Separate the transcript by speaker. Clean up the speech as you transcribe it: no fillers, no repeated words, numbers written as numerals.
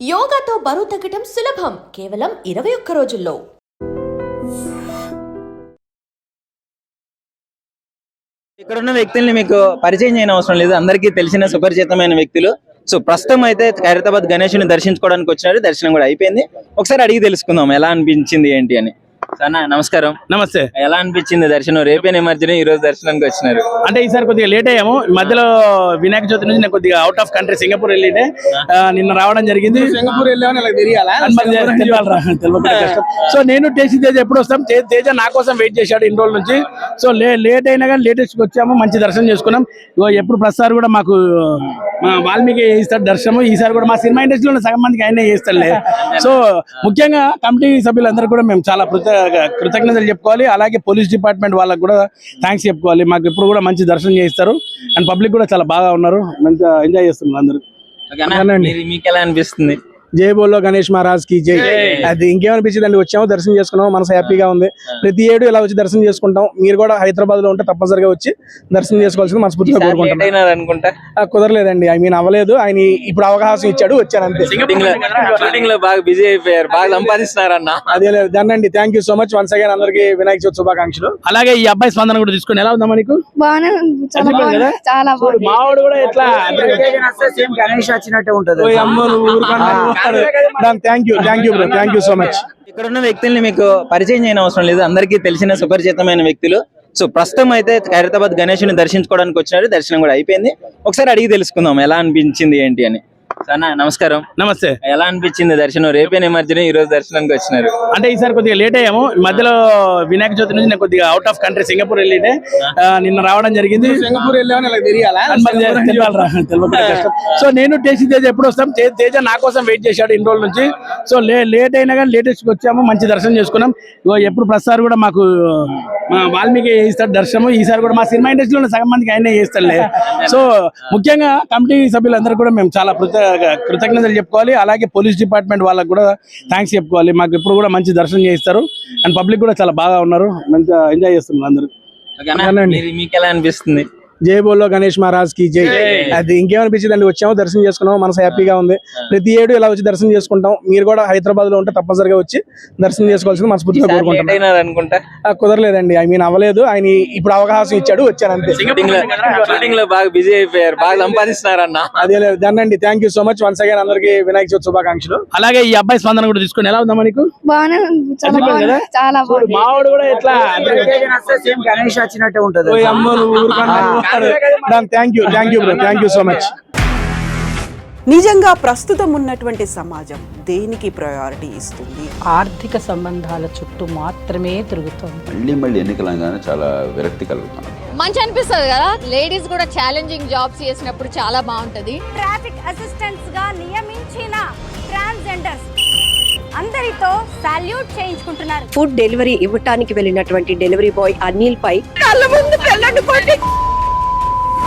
Speaker 1: యోగాతో బరువు తగ్గటం సులభం కేవలం 21 రోజుల్లో.
Speaker 2: ఇక్కడ ఉన్న వ్యక్తుల్ని మీకు పరిచయం చేయని అవసరం లేదు, అందరికీ తెలిసిన సుపరిచితమైన వ్యక్తులు. సో ప్రస్తుతం అయితే ఖైరతాబాద్ గణేషుని దర్శించుకోవడానికి వచ్చినారు. దర్శనం కూడా అయిపోయింది. ఒకసారి అడిగి తెలుసుకుందాం ఎలా అనిపించింది ఏంటి అని. సన్నా నమస్కారం.
Speaker 3: నమస్తే.
Speaker 2: ఎలా అనిపించింది దర్శనం? రేపే నిమజ్జనం, ఈ రోజు దర్శనానికి వచ్చినారు.
Speaker 3: అంటే ఈసారి కొద్దిగా లేట్ అయ్యాము. మధ్యలో వినాయక చవితి నుంచి నేను కొద్దిగా అవుట్ ఆఫ్ కంట్రీ సింగపూర్ వెళ్ళితే నిన్న రావడం జరిగింది.
Speaker 4: సింగపూర్
Speaker 3: సో నేను టేస్ట్ తేజ ఎప్పుడు వస్తాం, తేజ నా కోసం వెయిట్ చేశాడు ఇన్ని రోజుల నుంచి. సో లేట్ అయినా కానీ లేటెస్ట్ వచ్చాము, మంచి దర్శనం చేసుకున్నాం. ఎప్పుడు ప్రతిసారి కూడా మాకు వాల్మీకి చేయిస్తాడు దర్శనం. ఈసారి కూడా మా సినిమా ఇండస్ట్రీలో సగం మందికి ఆయనే చేస్తాడులే. సో ముఖ్యంగా కమిటీ సభ్యులందరూ కూడా మేము చాలా కృతజ్ఞతలు చెప్పుకోవాలి. అలాగే పోలీస్ డిపార్ట్మెంట్ వాళ్ళకి కూడా థ్యాంక్స్ చెప్పుకోవాలి. మాకు ఎప్పుడు కూడా మంచి దర్శనం చేయిస్తారు. అండ్ పబ్లిక్ కూడా చాలా బాగా ఉన్నారు, మంచిగా ఎంజాయ్ చేస్తున్నారు అందరూ.
Speaker 2: మీకు ఎలా అనిపిస్తుంది?
Speaker 4: జై బోలో గణేష్ మహారాజ్ కి జై. అది ఇంకేమనిపించింది అండి, వచ్చాము దర్శనం చేసుకున్నాం, మనసు హ్యాపీగా ఉంది. ప్రతి ఏడు ఇలా వచ్చి దర్శనం చేసుకుంటాం. మీరు కూడా హైదరాబాద్ లో ఉంటే తప్పనిసరిగా వచ్చి దర్శనం చేసుకోవాల్సింది మనస్ఫూర్తిగా కోరుకుంటున్నాం. కుదరలేదండి, ఐ మీన్ అవ్వలేదు. ఆయన ఇప్పుడు అవకాశం ఇచ్చాడు, వచ్చాను అంతే.
Speaker 2: బాగా బిజీ అయిపోయారు, బాగా సంపాదిస్తున్నారన్న.
Speaker 4: అదే లేదు దాన్ని. Thank you so much once again, అందరికి వినాయక చవితి శుభాకాంక్షలు.
Speaker 3: అలాగే ఈ అబ్బాయి స్పందన కూడా తీసుకుని ఎలా ఉందా మనకు?
Speaker 5: చాలా
Speaker 3: మావాడు కూడా ఎట్లా
Speaker 4: గణేష్ వచ్చినట్టే ఉంటది. Thank you bro, thank you so much.
Speaker 2: ఇక్కడ ఉన్న వ్యక్తుల్ని మీకు పరిచయం చేయని అవసరం లేదు, అందరికీ తెలిసిన సుపరిచితమైన వ్యక్తులు. సో ప్రస్తుతం అయితే ఖైరతాబాద్ గణేషుని దర్శించుకోవడానికి వచ్చినారు. దర్శనం కూడా అయిపోయింది. ఒకసారి అడిగి తెలుసుకుందాం ఎలా అనిపించింది ఏంటి అని. సన్నా నమస్కారం.
Speaker 3: నమస్తే.
Speaker 2: ఎలా అనిపించింది దర్శనం? రేపే నిమజ్జనం, ఈ రోజు దర్శనానికి వచ్చినారు.
Speaker 3: అంటే ఈసారి కొద్దిగా లేట్ అయ్యాము. మధ్యలో వినాయక చవితి నుంచి నేను కొద్దిగా అవుట్ ఆఫ్ కంట్రీ సింగపూర్ వెళ్ళితే నిన్న రావడం జరిగింది.
Speaker 4: సింగపూర్
Speaker 3: సో నేను టేస్ట్ తేజ ఎప్పుడు వస్తాం, తేజ నా కోసం వెయిట్ చేశాడు ఇన్ని రోజుల నుంచి. సో లేట్ అయినా కానీ లేటెస్ట్ వచ్చాము, మంచి దర్శనం చేసుకున్నాం. ఎప్పుడు ప్రతిసారి కూడా మాకు వాల్మీకి చేయిస్తాడు దర్శనం. ఈసారి కూడా మా సినిమా ఇండస్ట్రీలో సగం మందికి ఆయనే చేస్తాడులే. సో ముఖ్యంగా కమిటీ సభ్యులందరూ కూడా మేము చాలా కృతజ్ఞతలు చెప్పుకోవాలి. అలాగే పోలీస్ డిపార్ట్మెంట్ వాళ్ళకి కూడా థ్యాంక్స్ చెప్పుకోవాలి. మాకు ఎప్పుడు కూడా మంచి దర్శనం చేయిస్తారు. అండ్ పబ్లిక్ కూడా చాలా బాగా ఉన్నారు, మంచిగా ఎంజాయ్ చేస్తున్నారు అందరూ.
Speaker 2: మీకు ఎలా అనిపిస్తుంది?
Speaker 4: జై బోలో గణేష్ మహారాజ్ కి జై. అది ఇంకేమనిపించింది అండి, వచ్చాము దర్శనం చేసుకున్నాం, మనసు హ్యాపీగా ఉంది. ప్రతి ఏడు ఇలా వచ్చి దర్శనం చేసుకుంటాం. మీరు కూడా హైదరాబాద్ లో ఉంటే తప్పనిసరిగా వచ్చి దర్శనం చేసుకోవాల్సింది మనస్ఫూర్తిగా కోరుకుంటున్నాం. కుదరలేదండి, ఐ మీన్ అవ్వలేదు. ఆయన ఇప్పుడు అవకాశం ఇచ్చాడు, వచ్చాను అంతే.
Speaker 2: బాగా బిజీ అయిపోయారు, బాగా సంపాదిస్తున్నారన్న.
Speaker 4: అదే లేదు దాన్ని. Thank you so much once again, అందరికి వినాయక చవితి శుభాకాంక్షలు.
Speaker 3: అలాగే ఈ అబ్బాయి స్పందన కూడా తీసుకుని ఎలా ఉందా మనకు?
Speaker 5: చాలా
Speaker 3: మావాడు కూడా ఎట్లా
Speaker 4: గణేష్ వచ్చినట్టే ఉంటది. Thank you bro, thank you so much.
Speaker 6: నిజంగా ప్రస్తుతం ఉన్నటువంటి సమాజం దేనికి ప్రయారిటీ ఇస్తుంది?
Speaker 7: ఆర్థిక సంబంధాల చుట్టూ మాత్రమే తిరుగుతుంది.
Speaker 8: మళ్ళీ ఎన్నికలంగానే చాలా విరక్తి కలుగుతున్నాం.
Speaker 9: మంచి అనిపిస్తుంది కదా, లేడీస్ కూడా ఛాలెంజింగ్ జాబ్స్ చేసినప్పుడు చాలా బాగుంటది.
Speaker 5: ట్రాఫిక్ అసిస్టెంట్స్ గా నియమించిన ట్రాన్స్జెండర్స్ అందరితో సాల్యూట్ చేయించుకుంటున్నారు.
Speaker 10: ఫుడ్ డెలివరీ ఇవ్వటానికి వెళ్ళినటువంటి డెలివరీ బాయ్ అనిల్ పై కళ్ళ ముందు